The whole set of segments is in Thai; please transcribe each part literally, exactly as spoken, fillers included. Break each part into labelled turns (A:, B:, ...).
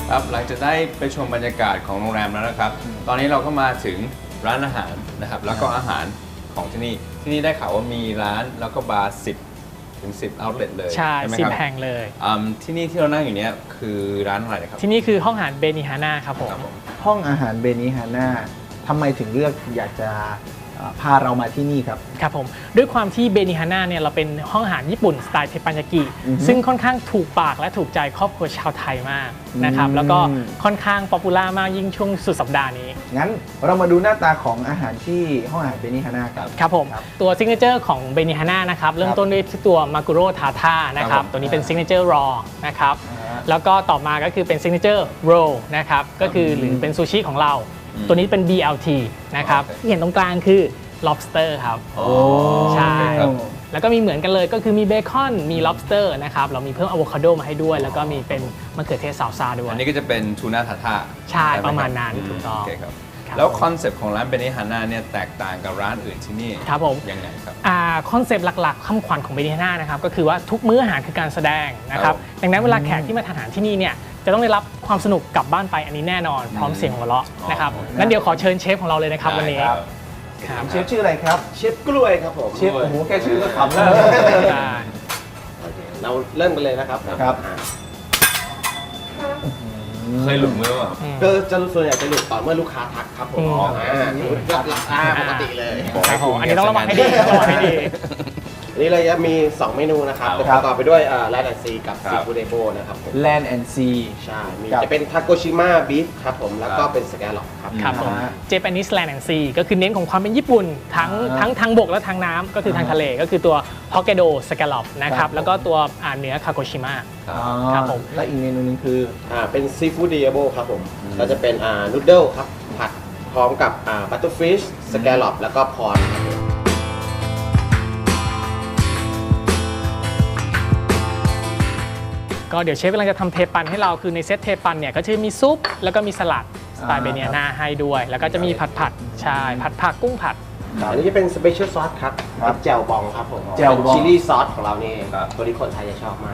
A: ครับหลังจากได้ไปชมบรรยากาศของโรงแรมแล้วนะครับตอนนี้เราก็มาถึงร้านอาหารนะครับแล้วก็อาหารของที่นี่ที่นี่ได้ข่าวว่ามีร้านแล้วก็บาร์สิบถึงสิบ outlet เลย
B: ใช่
A: ไหม
B: สิบ
A: ครับ
B: แห่งเลย
A: อืมที่นี่ที่เรานั่งอยู่เนี้ยคือร้านอะไรนะครับ
B: ที่นี่คือห้องอาหารเบนิฮาน่าครับผม
A: ครับผม
C: ห้องอาหารเบนิฮาน่าทำไมถึงเลือกอยากจะเอ่อพาเรามาที่นี่ครับ
B: ครับผมด้วยความที่เบนิฮาน่าเนี่ยเราเป็นห้องอาหารญี่ปุ่นสไตล์เทปปัญญากิ
C: อือฮึ
B: ซึ่งค่อนข้างถูกปากและถูกใจครอบครัวชาวไทยมากนะครับ
C: อืม
B: แล้วก็ค่อนข้างป๊อปปูล่ามากยิ่งช่วงสุดสัปดาห์นี้
C: งั้นเรามาดูหน้าตาของอาหารที่ห้องอาหารเบนิฮาน่าครับ
B: ครับผม
C: ครับ
B: ตัวซิกเนเจอร์ของเบนิฮาน่านะครับเริ่มต้นด้วยที่ตัวมากุโรทาท่านะครับ
A: ครับผม
B: ตัวนี้เป็นซิกเนเจอร์รอนะครับ
C: อ่า
B: แล้วก็ต่อมาก็คือเป็นซิกเนเจอร์โรนะครับก็คือหรือเป็นซูชิของเรา
A: อืม
B: ตัวนี้เป็น บี แอล ที นะครับ
A: โอเค
B: ที่เห็นตรงกลางคือ lobster ครับ
A: โอ้
B: ใช่
A: ครับ
B: แล้วก็มีเหมือนกันเลยก็คือมีเบคอนมี lobster นะครับเรามีเพิ่มอะโวคาโดมาให้ด้วย แล้วก็มีเป็นมะเขือเทศซาลซ่าด้วย
A: อันนี้ก็จะเป็นทูน่าทาท่า
B: ใช่
A: ไหคบ
B: ประมาณนั้นถูกต้อง
A: โอเคครับ
B: ครับ
A: แล้วคอนเซปต์ของร้านเบนิฮาน่าเนี่ยแตกต่างกับร้านอื่นที่นี่
B: ครับผม
A: ยังไงครับ
B: อ่าคอนเซปต์หลักๆคำขวัญของเบนิฮาน่านะครับก็คือว่าทุกมื้ออาหารคือการแสดงนะค
A: ครั
B: รั
A: บบ
B: ดังนั้นเวลาแขกที่มาทานอาหารที่นี่เนี่ยจะต้องได้รับความสนุกกลับบ้านไปอันนี้แน่นอนพร้อมเสียงหัวเราะนะครับ
A: อ๋อ
B: งั้นเดี๋ยวขอเชิญเชฟของเราเลยนะครับวันนี้
A: ได้ครับ
B: ครับ
C: เชฟชื่ออะไรครับ
D: เชฟกล้วยครับผม
C: เชฟโอ้โหแค่ชื่อก็ขำแล้ว
B: ได้
D: โอเคเราเริ่มกันเลยนะครับ
C: ครับ
D: อ่า
A: เคยหลุดมือเปล่า
B: อืม
D: ก็จะส่วนใหญ่จะหลุดต่อเมื่อลูกค้าทักครับผม
B: อืม
D: อ่าหลับหลับตาปกติเลย
B: ครับผมอันนี้ต้องระวังให้ดีต้องระวังให้ดี
D: อันนี้เราจะมี สอง เมนูนะครับ
A: ครับ
D: ประกอบไปด้วยแรดแอนซีกับ
A: ครับ
D: ซีฟู้ดเดโบนะครับผม
C: Land and Sea
D: ใช่ มี
C: ครับ
D: จะเป็นทาโกชิมะบีฟครับผม แล้วก็
A: ครับ
D: เป็นสแกลล็อกครับ
B: ครับผม
C: อ่า
B: Japanese Land and Sea ก็คือเน้นของความเป็นญี่ปุ่น ทั้ง
C: อ่า
B: ทั้งทางบกและทางน้ำก็คือทางทะเลก็คือตัว Hokkaido Scallop นะค
C: ครั
B: รั
C: บบ
B: แล้วก็ตัวอ่าเนื้อคาโกชิมะ
A: ครับ
C: อ๋อ
B: ครับผม
C: และอีกเมนูหนึงคือ
D: อ่า เป็นซีฟู้ดเดโบครับผมก็จะเป็นอ่านูดเดิลครับ ผัดพร้อมกับอ่าบัตเตอร์ฟิชสแกลล็อกแล้วก็พรครับผม
B: ก็เดี๋ยวเชฟกำลังจะทำเทปันให้เราคือในเซตเทปันเนี่ยก็จะมีซุป แล้วก็มีสลัดสไตล์
C: อ่า
B: เบเนียนาให้ด้วย แล้วก็จะมีผัดผัดๆใช่ผัดผักกุ้งผัด
D: อันนี้จะเป็นสเปเชียลซอสครับ
C: ครับ
D: เป็นแจวบองครับผม
C: แจ่วบอง
D: เป็นชิลลี่ซอสของเรานี่เอง
A: ครับ
D: ตัวนี้คนไทยจะชอบมาก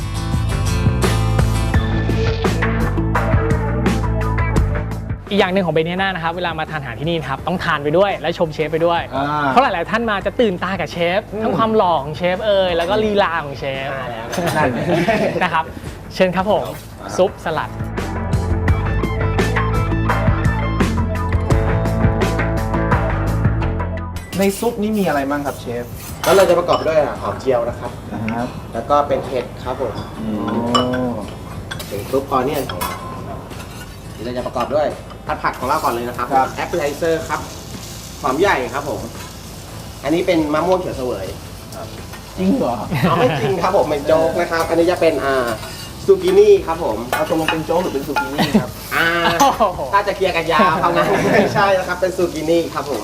B: อีกอย่างหนึ่งของเบเนียนานะครับเวลามาทานอาหารที่นี่นะครับต้องทานไปด้วยและชมเชฟไปด้วย
C: อ่า
B: เพราะหลาย ๆ ท่านมาจะตื่นตากับเชฟ ทั้งความหล่อของเชฟเอ่ยแล้วก็ลีลาของเชฟ
D: มาแล้ว
C: นั่น
B: นะครับ เชิญครับผม
A: ครับ
B: ซุปสลัด
C: ในซุปนี้มีอะไรบ้างครับเชฟ
D: แล้วเราจะประกอบด้วยหอมเจียวนะครับ
C: นะครับ
D: แล้วก็เป็นเห็ดครับผม
C: โอ้
D: เป็นซุปออเนียนของเราเดี๋ยวเราจะประกอบด้วยผัดผักของเราก่อนเลยนะครับแอปเปิลไทเซอร์ครับหอมใหญ่ครับผม อันนี้เป็นมะม่วงเขียวเสวย
C: จริงเหรอ
D: เอาไม่จริงครับผมเป็นโจ๊กนะครับ อันนี้จะเป็นอ่าซูกินี่ครับผม
C: เอาตรงลงเป็นโจ๊กหรือเป็นซูกินี่ครับ
D: อ่า
B: โอ้โห
D: ถ้าจะเคลียร์กันยาวเท่านั้นไม่ใช่นะครับเป็นซูกินี่ครับผม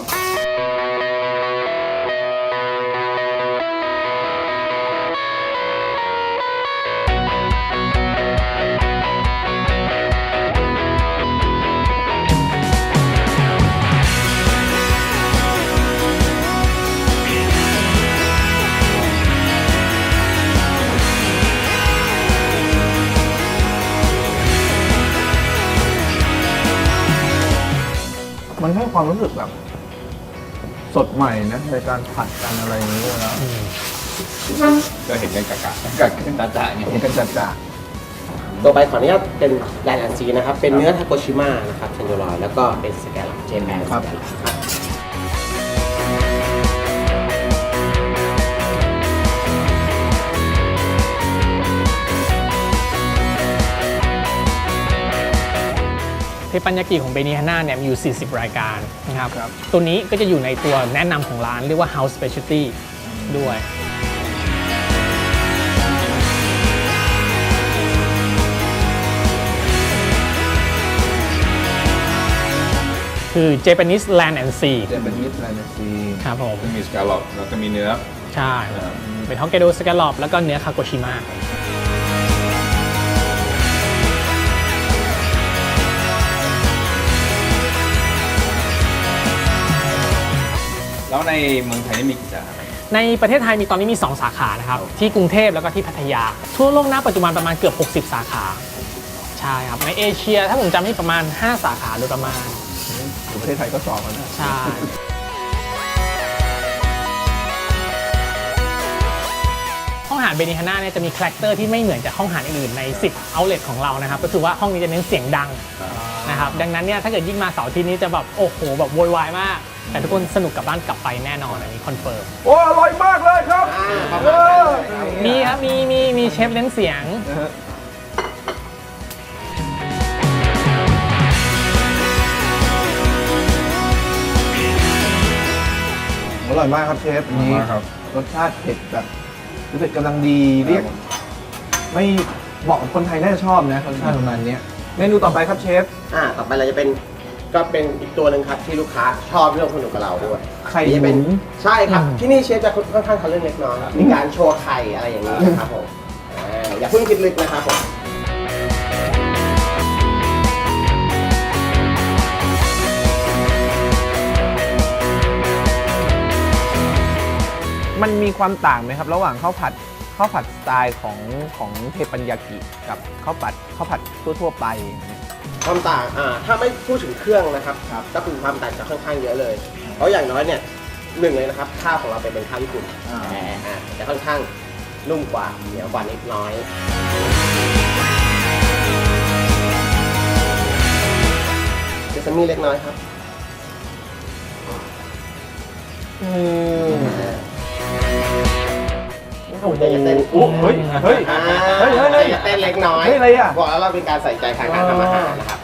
C: มันให้ความรู้สึกแบบ สดใหม่นะในการผัดกันอะไรอย่างนี้นะ
A: ก็เห็นกันกะกะกะกันตาจ่าอย่าง
C: เห็
A: เงี้
C: น
A: ย
C: กันจัดจ้า
D: ตัวไปขออนุญาตเป็นแลนด์แอนซีนะครับ เป็นเนื้อทาโกชิมะนะครับเทนโดรอยแล้วก็เป็นสแกลล็อกเจแปนสแกลล็อกครับ
B: เทปัญญากิของเบเนียนาเนี่ยมีอยู่ สี่สิบ รายการนะครับ
C: ครับ
B: ตัวนี้ก็จะอยู่ในตัวแนะนำของร้านเรียกว่า House Specialty ด้วย คือ Japanese Land and Sea
C: เจแปนิสแลนด์ซี
B: ครับผม
A: จะมีสกาลอปแล้วก็มีเนื้อ
B: ใช่ เป็นฮอกไกโดสแกลลอปแล้วก็เนื้อคาโกชิมะ
A: แล้วในเมืองไทยนี่มีกี่สาขา
B: ในประเทศไทยมีตอนนี้มี สอง สาขานะครับ ที่กรุงเทพแล้วก็ที่พัทยา ทั่วโลกณปัจจุบันประมาณเกือบ หกสิบ สาขา ใใช่ครับในเอเชียถ้าผมจำไม่ผิดประมาณ ห้า สาขาโดยประมาณ
C: อยู่ประเทศไทยก็สองแล้วนะ
B: ใช่ห้องอาหารเบนิฮาน่าเนี่ยจะมีคาแรคเตอร์ที่ไม่เหมือนจากห้องอาหารอื่นๆในสิบ outlet ของเรานะครับก็คือว่าห้องนี้จะเน้นเสียงดังนะครับดังนั้นเนี่ยถ้าเกิดยิ่งมาเสาร์อาทิตย์นี้จะแบบโอ้โหแบบโวยวายมากแต่ทุกคนสนุกกลับบ้านกลับไปแน่นอนอันนี้คอนเฟิร์ม
C: โอ้อร่อยมากเลยครับ
D: อ่าประ
C: เอ
D: มาณนั้น
C: อ
D: เลย
B: มีครับมีมีมีเชฟเน้นเสียง
C: นะฮะอร่อยมากครับเชฟอันนี้
A: มากครับ
C: รสชาติเผ็ดแบบรู้สึกกำลังดีเรียก ไม่เหมาะกับคนไทยน่าจะชอบนะรสชาติประมาณเนี้ยเมนูต่อไปครับเชฟ
D: อ่าต่อไปเราจะเป็นก็เป็นอีกตัวหนึ่งครับที่ลูกค้าชอบเรื่องสนุกกับเราด้วย
C: ไข่
D: นี่จะเป็น
C: หมุน
D: ใช่ครับ
B: อืม
D: ที่นี่เชฟจะค่อนข้างทำเรื่องเล็กน้อยครับมีการโชว์ไข่อะไรอย่างนี้นะครับผมอ่าอย่าเพิ่งคิดลึกนะครับผม
C: มันมีความต่างไหมครับ ระหว่างข้าวผัดข้าวผัดสไตล์ของของเทปัญญากิกับข้าวผัดข้าวผัดทั่วๆไป
D: ความต่างอ่าถ้าไม่พูดถึงเครื่องนะครับก็คือความต่างจะค่อนข้างเยอะเลย เพราะอย่างน้อยเนี่ยหนึ่งเลยนะครับข้าวของเราเป็นเป็นข้าวญี่ปุ่น
C: อ่า
D: แต่อ่าจะค่อนข้างนุ่มกว่าเหนียวกว่านิดน้อยเซซามิเล็กน้อยครับ
C: อืม
D: โอ้โหจะเต้น
C: โอ้เฮ้ยเฮ้ย
D: อ่า
C: เฮ้ยเฮ้ยเฮ้ย
D: จะเต้นเล็กน้อย
C: เฮ้ยอะไรอ่ะ
D: บอกแล้วเราเป็นการใส่ใจทางการทำอาหารนะครับ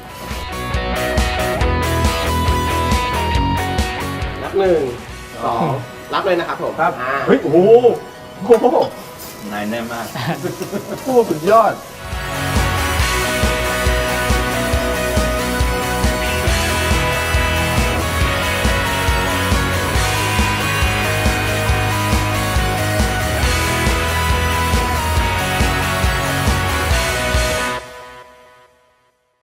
D: นับหนึ่งสองรับเลยนะครับผม
C: ครับ
D: อ่า
C: เฮ้ยโอ้โหโอ้โห
A: นายแน่มาก
C: โอ้โหสุดยอด